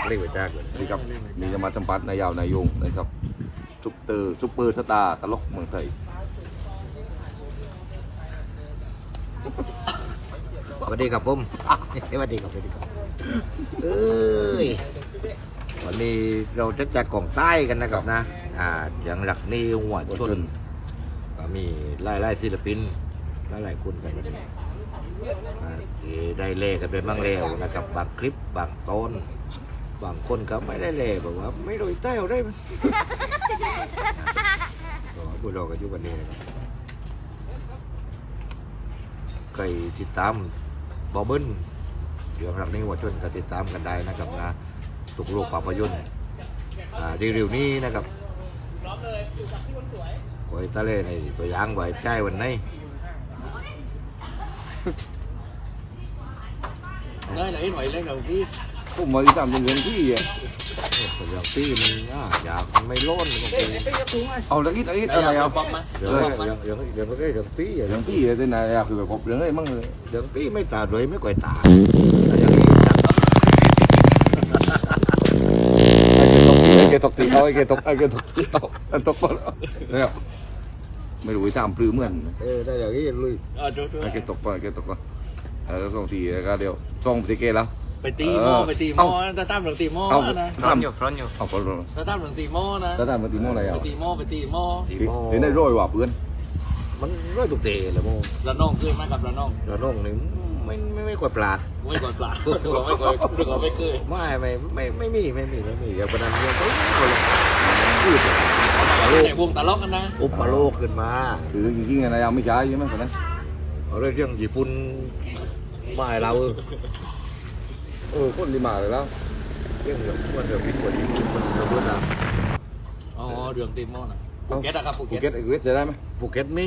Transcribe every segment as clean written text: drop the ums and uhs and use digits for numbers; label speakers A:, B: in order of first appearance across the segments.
A: เล่นไปจ้าเลย
B: นี่ครับนี่จะมาสัมผัสนายยาวนายยงนะครับซุปเปอร์สตาร์ตลกเมืองไทย
A: สวัสดีครับผมสวัสดีครับเอ้ยวันนี้เราจะจัดกล่องใต้กันนะครับนะอย่างหลักนี่หัวชนก็มีไล่ศิลปินหลายคนกันที่ได้เล่กันเป็นบ้างแล้วนะครับบางคลิปบางตอนบางคนก็ไม่ได้เล่บอกว่าไม่โดยใต้เอาได้ไหมก็พวกเราก็อยู่กันนี้นะครับใครติดตามบอเบิ้ลเรื่องหลักนี้หัวชนก็ติดตามกันได้นะครับนะทุกโลกภาพยนตร์เร็วๆนี้นะครับไว้ทะเลในตัวอย่างไว้ใช้วันนี้
C: ได้ไหนหน่อยเล่นกับพี่
B: ผมมาทำเรื่องที่อ่ะ
A: ตัวอย่างพี่มันอยากมันไม่ล้นก็คือ
B: เอาตะกี้อะไรเอา
A: เดี๋ยวไม่ได้เรื่องพี่
B: เรื่องที่เลยนายคือแบบผมเรื่องอะไรมั่งเลย
A: เรื่องพี่ไม่ตาเลยไม่ก่อยตาอย่างนี้จัด
B: ไอ้เกตกตีเอาไอ้เกตกเอาตกไปแล้วเนี่ยไม่รู้ทำปลื้มเหมือน
A: ได้อย่างนี้ลุย
B: ไอ้เกตกไปส่งทีก็เดี๋ยวส่งไปเกแล้ว
C: ไปตีหม้อจะตั้มหรือตีหม้อนะ
A: ฟรอนอยู่
C: จะตั้มหรือตีหม้อนะ
B: จะตั้มหรือตีหม้ออะไรอ่ะ
C: ไปตีหม้อเ
B: ดี๋ยวได้ร้อยว่ะเพื่อน
A: มันร้อยตุกเตะเลยโม่
C: ระน้องเคยไหมกับระน้
A: องนี่ไม่กว่าปลาด
C: ไม่กว่าปลาดไม่เคย
A: ไม่มีอย่างประเด็นเรื่องพูด
C: แต่วงตลกกันนะ
A: อุปโลกขึ้นมา
B: คือจริงๆอะไรยังไม่ใช่ใช่ไหมคนนั้น
A: เอาเรื่องญี่ปุ่นไม่เรา
B: คนริมาเลยแล้ว
A: เรื่องว่าเดี๋ยวพิษกว่าญี่ปุ่นมันจะพูดนะ
C: อ๋อเรื่องตีหม้อนะภูเก็ตอะครับภู
B: เก็ตจะได้ไหม
A: ภูเก็ตมี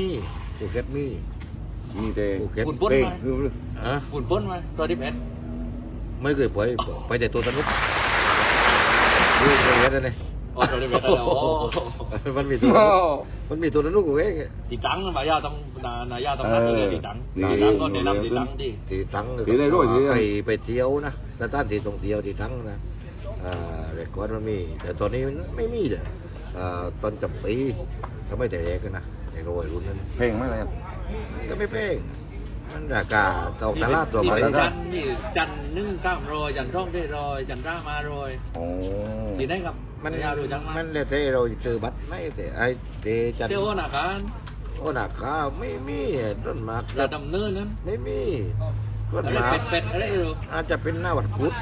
B: แต่
C: ฝุ่นป้นมาฝุ่นป้นมาตัวที่เพชร
A: ไม่เคยไปแต่ตัวสนุกดูตัวเพชรเลย
C: ตัวที่เพชร
A: มันมีตัวสนุกกูเอง
C: ตีตังค์นะยาต้องนั่งเลยตีตังค์ก็แนะนำตีตังค์
A: ตีตังค์ไปเที่ยวนะแต่ต้านตีตรงเที่ยวตีตังค์นะเด็กก่อนมันมีแต่ตอนนี้ไม่มีเลยตอนจำปีก็ไม่แต่เด็กนะในโรยรุ่นนั้น
B: เพลงไม่อะไร
A: ก็ไม่เพลงมันราคาตกตลาดตัวไป
C: จันนึ่งข้ามรอยจันร่องได้รอยจันร่ามารอยสีได้ครับ
A: มันยาวดูจังมันเลยเตเราเจอบัตรไม่แต่ไอเตจัน
C: เจ้าหน้าการ
A: ไม่มีต้นมาก
C: จะดำเนินนั้น
A: ไม่มีต้นมาก
C: เป็ดอะไรหรอ
A: อาจจะเป็นหน้าวัดพุทธ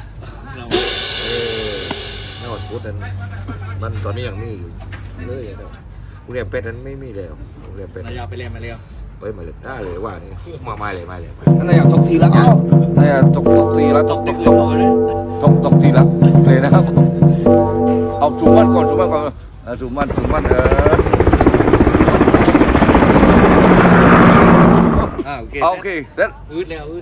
A: หน้าวัดพุทธนั้นมันตอนนี้ยังมีอยู่เลยนะกูเรียกเป็ดนั้นไม่มีแล้วกูเรียกเป็ด
C: ยาวไปเรียนมาเรียว
A: มาเลยได้เลยว่านี่ไม่เลย
B: นั่นอยากตกทีแล้วนั่นอยากตกทีแล้วตกทีแล้วเลยนะครับเอาจุ่มมันก่อนจุ่มมันโอเคเสร็จ
C: อืดแล้ว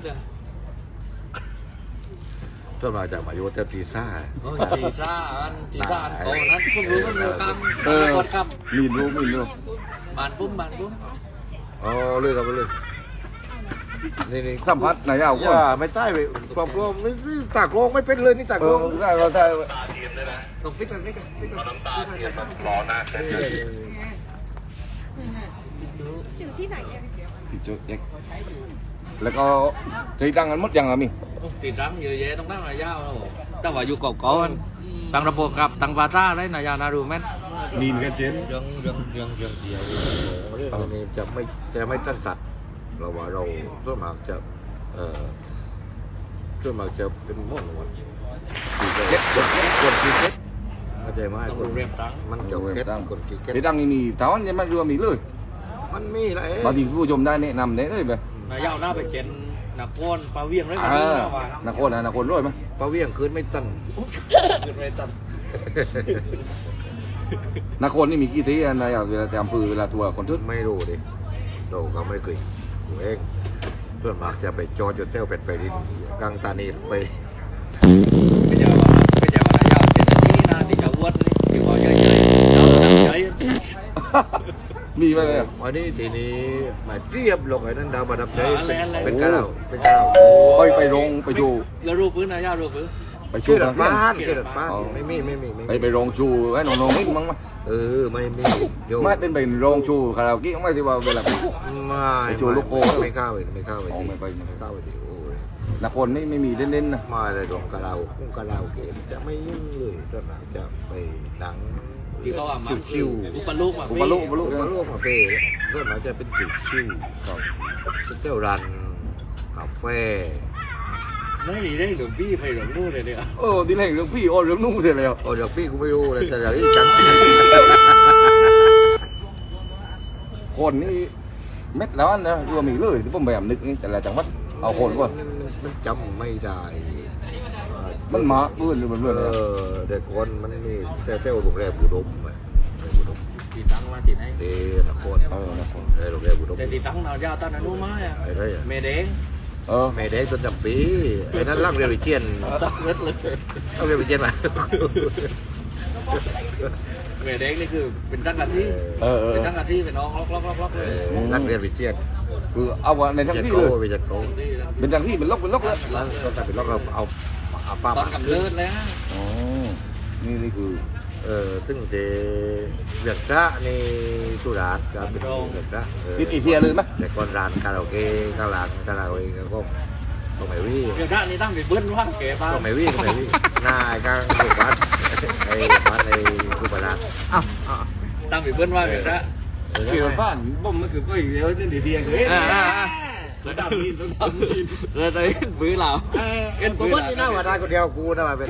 A: ต้นมาจากมาโยเตปีซ่า
C: ตีซ่าอันโตนั้นพวกรู้กันอยู่กันกดครับ
B: มีรู้
C: บานปุ้ม
A: อ๋อเลยครับเลยนี่
B: สัมผัสไหนเอา
A: ว่าไม่ใช่ไปความกลัวไม่ตากลงไม่เป็นเลยนี่ตากลง
B: ได้
C: ส่งฟิกกัน
A: น้ำตาเทียนแบบร้อนนะ
D: อยู่ที่ไหน
B: ที่จุดเด็กแล้วก็ตีตังกันหมดยังอ่ะมี
C: ตีตังเยอะแยะต้องนั่งระยะแล้วตั้งว่าอยู่เก่าๆตั้งระบบกับตั้งวาซ่าได้นายานารูแมน
B: นีนกันเจน
A: เรื่องเดียวเรื่องนี้จะไม่ตั้งสัตว์เราว่าเราส่วนมากจะเป็นม่อนวันเก็ตคนที่เก็ตเข้าใจไหมคนมันเกี่ยวกับเก็ตคนที่เก็ต
B: ตีตังนี่ถามว่าจะมาดูมีเลย
A: มันมีอะไร
B: บางทีผู้ชมได้แนะนำได้เลยแบบ
C: นายยาวหน้าไปเข็นนักโอนปลาเวียงเลย
B: นักโอนร้อยไหม
A: ปลาเวียงคืนไม่ตัน
B: นักโอนนี่มีกี่ทีนายเวลาจำปืนเวลาทัวร์คนทุก
A: ไม่รู้ดิเราก็ไม่เคยดูเองส่วนมากจะไปจอดอยู่เต้าเป็ดไปดินกลางตานีไป
C: ไม่ใช่ว่านายยาวเป็นที่นาที่จะวัดนี่ที่ว่าเยอะๆเราตั้งใจ
B: มีไหม
A: วันนี้ทีนี้มาเทียบลงไอ้นั่นดาวมาดับใจเป็นกระเรา
B: ไปลงไปดู
C: แล้วรูปพื้นนายยาวรูปพื้น
B: ไปชู
A: ชื่อ
B: กั
A: ดั
B: น
A: ด
B: เที่ยง
A: บ้านชื่อดัดบ้าน
B: อ๋อ
A: ไม่มี
B: ไปโรงชูไว้น้องๆนิดมั้งมั้ย
A: ไม่มีโย
B: ไม่เป็นโรงชูคาราโอเกะไม่ที่ว่าเวลาไป ไปโชว์ลูกโป่ง
A: ไม่เข้าไปไม่เข้าไป
B: อ๋อไม่ไป
A: ไม่เข้าไปดิโอ้ย
B: นักคนนี่ไม่มีเล่นๆนะ
A: มาเลยดวงกะเรากะเราเกมจะไม่ยุ่งเลยตอนหลังจะไปหนัง
C: ที่เขาว่ามา
A: ชิว
C: อุปลูกมา
B: อุปลุก
A: ๆมาร่วมมาเป้ตอนหลังจะเป็นชิวๆเที่ยวรันกาแฟ
C: ไม่ได้หลวงพี่ไปหลวงนู่นเลยเนี่ย
B: ที่แรกเรื่องพี่เรื่องนุ่งเสร็จแล้ว
A: โอ้เดี๋ยวพี่กูไม่รู้เลยแต่เดี๋ยวนี้จัง
B: คนนี่เม็ดแล้วนะรวมอีกเลยที่ผมพยายามนึกนี่แต่ละจังหวัดเอาคนก่อน
A: มันจำไม่ได้
B: มันมาเบื่อหรือมันเบื่อเลย
A: เด็กคนมันนี่เที่ยวโรงแรมอุดมอุดม
C: ตีตังมาตีไหน
A: เดนคร
B: นะคน
A: โรงแรมอุดม
C: แต่ตีตังเรายาวตอนนั้นรู้ไหมอ่ะ
A: ไอ้ไรอ่ะ
C: เมเด้ง
A: ไม่ได้จนจำปีไอ้นั้นรักเรียลวิเชียน
C: ตักเลือดเลย
A: รักเรียลวิเชียนมา
C: เมเด้งนี่คือเป็นตั้งกันที่เป็นตั้งกันที่เป็นน้องล็อกเลย
A: รักเรียลวิเชียน
B: คือเอาในทั้งที่เลย
A: ไปจัดโก
B: เป็นจังที่เป็นล็อกเลย
A: แล้วก็กลายเป็นล็อกเราเอาป้า
C: ตอนกำเนิดเลยฮะ
B: อ๋อนี่คือ
A: ซึ่งเจเวียกพระนี่สุราษฎร์ก็เป็นเวียกพระ
B: ติดอีเทียเลยไหม
A: แต่ก่อนร้านคาราโอเกะข้างหลังคาราโอเกะก็ไม่วิ่ง
C: เดี๋ยวด้านนี้ตั้งไปเบิ้ลว่างเก๋ป้า
A: ก็ไม่วิ่งหน้าไอ้ข้างลูกวัดไอ้วัดไอ้ลูกบาลา
C: ตั้งไปเบิ้ลว่างเก๋ซะ
B: เกี่ยวบ้านบ่มมันคือก็อีกเดียวนี่เดียวเลย
C: แล้วดำดินแล้วได้บื้อเรา
A: ผมว่านี่น่าว่าได้คนเดียวกูน่าว่าเป็น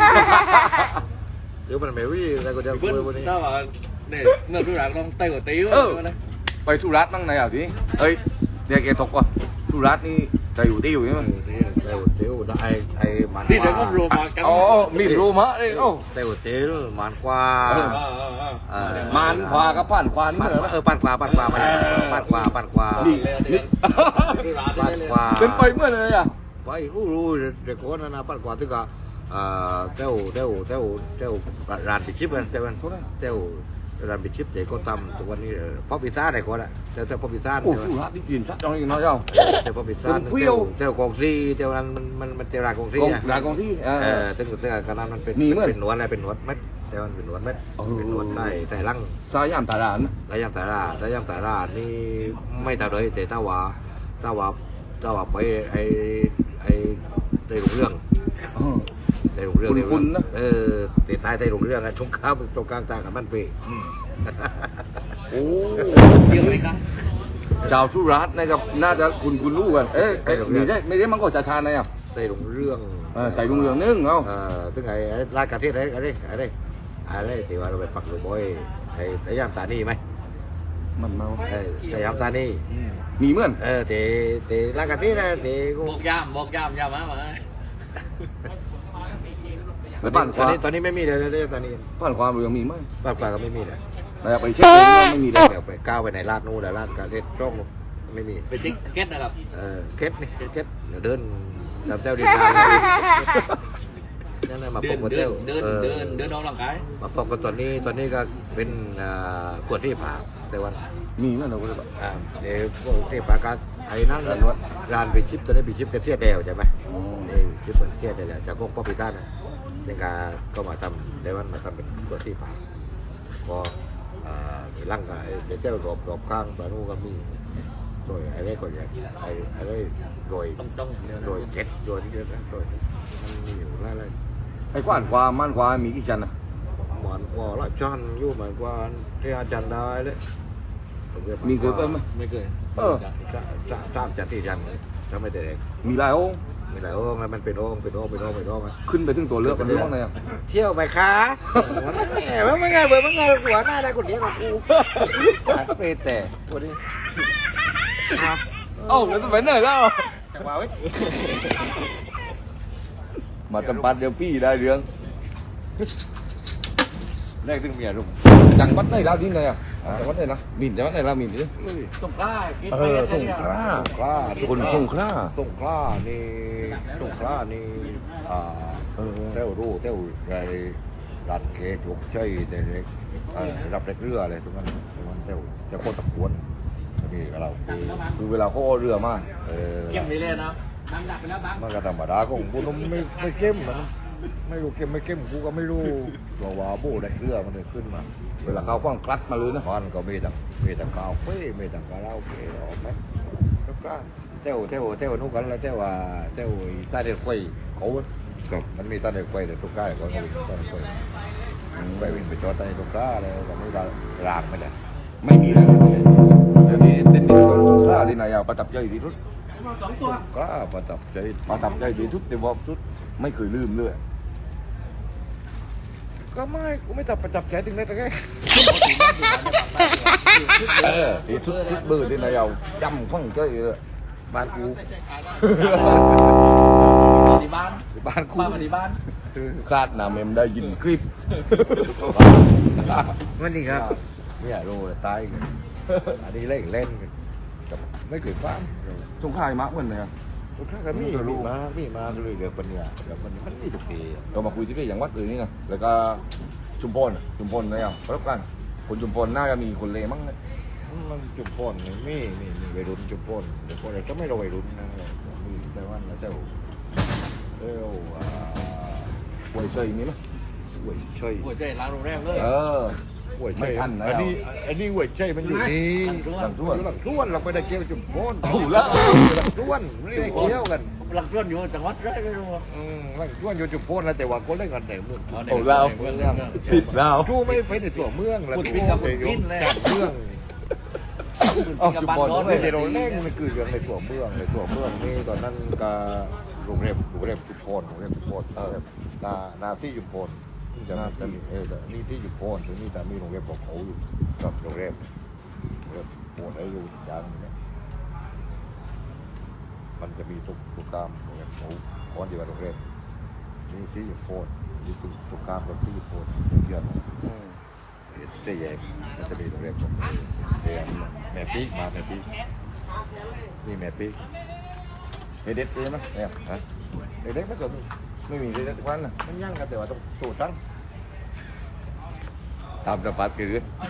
A: เดี๋ยวมันไม่วิ่งได้คนเดียวกู
C: เบิ้ล
A: วันนี้
C: ถ้าว่าเนี่ยเมื่อทุกอย่างต้องไต่หัวติ้วเลย
B: ไปสุรัตน์นั่งไหนอ่ะทีเอ้ยเดี๋ยวแกตกว่ะสุรัตน์นี่ใจอยู่ที่อยู่ใช่ไหม
A: เตียวได้ไอ้มัน
C: ที่เดี๋ยวก็โรมากัน
B: อ๋อมีโรมะเลยโอ้
A: เตียวมันกว่า
B: มันขวากับผ่านขวานี่เหรอ
A: ปั่นขวาปั่นขวาปั่นขวาปั่นขวา
B: นี่นี่
A: ปั่นขวา
B: เป็นไปเมื่อเลยอ่ะ
A: ไปรู้เด็กคนนั้นนะปั่นขวาถึงกับเต้าร้านปิชิปกันเต้าร้านปิชิปเด็กก็ทำตัวนี้ป๊อปพิซซ่าไหนคนละเต้าป๊อปพิซซ่า
B: โอ้สุรัตน์นี่กินชัดจังเลยน้อยเจ้า
A: เต้าป๊อปพิซซ่าเต้ากองซีเต้านั้นมันเต้าร้านกองซี
B: ร้านกองที่
A: ตึ้งกระนั้นมันเป็นหนวดอะไรเป็นหนวดเม็ดแต่มันเป็นหนวดเม็ดเป็นหนวดได้ลัง
B: สายามตาลาน
A: ระยำสารานี่ไม่เท่าเลยแต่ถ้าว่าไปไอ้ในโรงเรื่องในโรงเรื่องแต่ตายในโรงเรื่องอะชงข้าวตรงกลางตากับมันเปย์
B: โอ้
C: เยอะเลยครับ
B: ชาวสุรัตน์นะครับน่าจะคุณรู้กันเอ๊ะไม่ได้มันก็ชาๆนะอ่ะ
A: ในโรงเรื่อง
B: ใส่โรงเรืองนึงเอ้า
A: ตึงไอ้รายการที่อะไรที่ว่าเราไปปักหลุมบ่อยไอ้ระยำตานี่ไหม
B: มันเมา
A: ระยำตานี่
B: มีเหมือน
A: แต่รายการที่นะแต่กู
C: บอกยามยามมา
B: แล้วบ้านขวา
A: ตอนนี้ไม่มีเลยตอนนี้
B: บ้านความเรืองมีไหม
A: บ้านปลาก็ไม่มีเลย
B: เราไปเช็คไม่มีเลย
A: เดี๋ยวไปก้าวไปในลาดนู้นแต่ลาดการเล่นร่องไม่มี
C: เป็นติ๊กเก็ตนะครับ
A: เคสนี่เคสเดี๋ยวเดินตามเต้าดินดานั่นแหละมาปกเต้า
C: เดินออกกำลังกาย
A: มาปกตอนนี้ก็เป็นขวดที่ผ่าแต่วัน
B: มีไหมเราก็เลย
A: เดี๋ยวพวกที่ผ่าการไอ้นั่นร้านไปชิปตอนนี้ไปชิปกระเทียดแดวใช่ไหมนี่ชิปกระเทียดแดวจากพวกป๊อปปี้ต้านะยังก็มาทำในวันมาทำเป็นขวดที่ผ่าก็มีร่างกายเดี๋ยวเจ้ารอบข้างปลาโนก็มีโดยอะไรก็อย่างอะไรโดยเจ็ดโดยที่เดียวกันโดยมันมีอยู่อะไร
B: ไอ้กว้านความมั่นความมีกี่ชั้นอ่ะ
A: เหมือนกว่าละจันอยู่เหมือนกว่าที่อาจารย์ได้เลย
B: มีเคยเพิ่มไหม
C: ไม่เคย
A: จ้ามจันที่จันถ้าไม่ได้เด็ก
B: มีหลายองค์
A: มีหลายองค์มันเป็นองค์
B: ขึ้นไปถึงตัวเลือกมันห้องไหนอ่ะ
A: เที่ยวไปคะมันไงหัวหน้าได้คนเดียวกับกูไปแต่ตัวนี้
B: เอ้าแล้วจะไปไหนแล้ว
A: จังหวะไว้
B: มาจำปัดเดี๋ยวพี่ได้เรื่อง
A: แรกถึงเมียรุ่ม
B: จังหวัดไหนแล้วที่ไหนอ่ะจังหวัดไหนนะมินจังหวัดไหนแล้วมินดิ
C: สงกล้า
A: สงขลาคนสงขลานี่เต้ารู้เต้าไรรัดเกถูกใช่แต่เล็กรับเล็กเรืออะไรทุกนั้นเต้าจะโคตรตะกวนนี่ก็เรา
B: คือเวลาเขาเอาเรือมา
C: เก็บไปเลยนะน้ำหนักไปแล้วบ้าง
A: มันก็ธรรมดาของพวกมันไม่เข้มมันไม่รู้เก็มไม่เก็มกูก็ไม่รู้ตัววาโบได้เรือมันเลยขึ้นมา
B: เวลาเขาคว้างคลัดมาเลยนะ
A: มันก็มีแต่กาวเฟ่มีแต่การาโอเกะออกไหมแล้วก็เต้วนู่นกันแล้วเต้วใต้เด็กไฟเขามันมีใต้เด็กไฟแต่ทุกค่ายก็มีใต้เด็กไฟไปวิ่งไปจอดใต้ทุกค่ายเลยแต่ไม่ได้รางไม่ได้
B: ไม่มีแล้วเดี๋ยวนี้เต้นนี่ต้องกล้าที่ไหนอ่ะประทับใจที่สุด
A: กล้าประทับใจ
B: ประทับใจที่สุดแต่ว่าสุดไม่เคยลืมเลย
A: ก็ไม่กูไม่ประทับใจถึงได้แต่แค่
B: ที่สุดเบอร์ที่ไหนเอาจำฟังใจเลย
A: บ้านกู
C: ที่บ้าน
A: บ้านกู
C: บ้านที่บ้าน
B: คาดหนาเมมได้ยินคลิป
A: มันนี่ครับเนี่ยโรยตายกันอันนี้เล่นกันกับไม่เคยฟัง
B: สงขลายมากเหมือนกัน
A: ทุกครั้งก็มีมาเลยเดี๋ยวปัญญาเดี๋ยวมันมีทุกปี
B: เรามาคุยที่นี่อย่างวัดอื่นนี่นะแล้วก็ชุมพรนะยังประกันคนชุมพรน่าจะมีคนเลมั้งเนี่ย
A: มันจุดพ่นมีวัยรุ่นจุดพ่นเดี๋ยวพ่นก็ไม่เราวัยรุ่นนะมีแต่ว่าเจ้า
B: ป่วยเฉยมีไหม
A: หวยช่วย
C: หัวใจร้านโรงแรมเลย
A: หวย
B: ไม่
A: ช่วย
B: ทันนะ
A: อันนี้หวยช่วยมันอยู่นี่
B: หลังท้วน
A: หลังท้วนเราไปได้เกี่ยวจุดพ่น
B: เอาละ
A: หลังท้วนไม่ได้เกี่ยวกัน
C: หลังส่วนอยู่จังหวัดไรไม่รู้
A: หลังท้วนอยู่จุดพ่นแล้วแต่ว่าคนเล่นกันแต่เมือง
B: เอาแล้วผิดแล้ว
A: ทู่ไม่ไปในตัวเมืองแล้วทู่ไปอยู่จัดเมือง
B: เอาชุมพร
A: ไม่ได้เราเล่นมันคือเรื่องในตัวเมืองนี่ตอนนั้นก็โรงแรมจุดพ่นนาที่จุดพ่นจะมีนี่ที่จุดพ่นถึงนี่แต่มีโรงแรมของเขาอยู่กับโรงแรมโพ่นให้อยู่อย่างนี้มันจะมีทุกกรรมโรงแรมเขาก่อนที่ว่าโรงแรมนี่ที่จุดพ่นนี่ทุกกรรมกับที่จุดพ่นเยอะเสียแยกมันจะมีโรงแรมของแม่ปีกมาแม่ปีกนี่แม่ปีก
B: เด็ดเลยมั้ยเนี่ย
A: ฮะเด็กๆไม่เกิด
B: ไม่มีเด็ดวันนะ
A: มันยั่งกันแต่ว่าต้องสูตรตั้ง
B: ตามสปัดคือ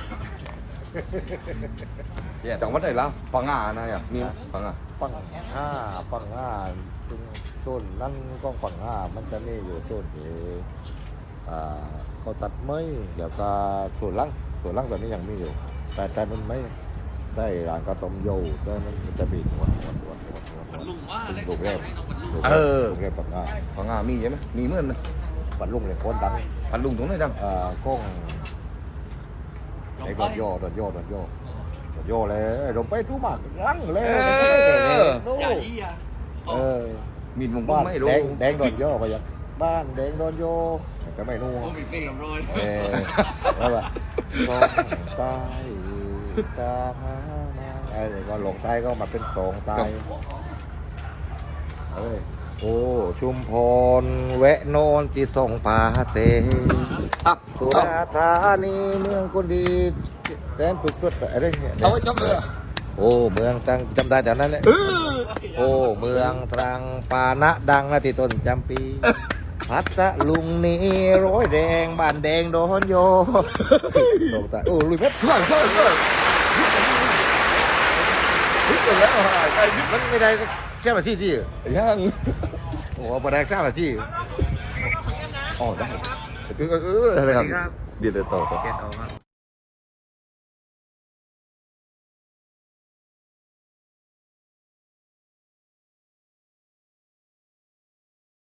B: จังหวัดไหนล่ะปังงานะอย่างมีปังงา
A: ปังห้าต้นนั่นก็ปังห้ามันจะนี่อยู่ต้นที่เขาตัดไม้เดี๋ยวก็ส่วนล่างตอนนี้ยังมีอยู่แต่มันไม่ได้ร้านกระต้มโย่แต่มันจะบีบลูกแรกลูกแรกปังห้า
B: ปังงามีใช่ไหมมีเหมือนนะ
A: ปันลุงเลยคนดัง
B: พันลุงตรงไหนดัง
A: ก้องไอ้ดอนโย่เลยเราไปทุมากรังเลยนู่
B: มีดมง
A: บ้าน
B: ไม่รู้
A: แดงดอนโย่ก็ยังบ้านแดงดอนโย่ก็ไม่นู่
C: ผมมีเพลงลำร้อย
A: แล้วแบบลงใต้ตาไอ้ก็ลงใต้ก็มาเป็นสองใต้โอ้ชุมพรแวะโนนที่ส่งผาเตสุราษฎร์ธานีเมืองคนดีแดนสุดสุดอะไรเนี่ย
B: เอาไว้จำเลย
A: โอ้เมืองตรังจำได้แต่นั้นเลยโอ้เมืองตรังปานะดังนะที่ต้นจำปีพัทลุงนี่ร้อยแดงบ้านแดงโดนโยโดนตาโอ้ลุยเพชรช่วยมันไม่ได้แค่มาที่
B: ยัง
A: โอ้มาได้แค่มาที่
B: อ๋อได้อะไรครับเดี๋ยวต่อ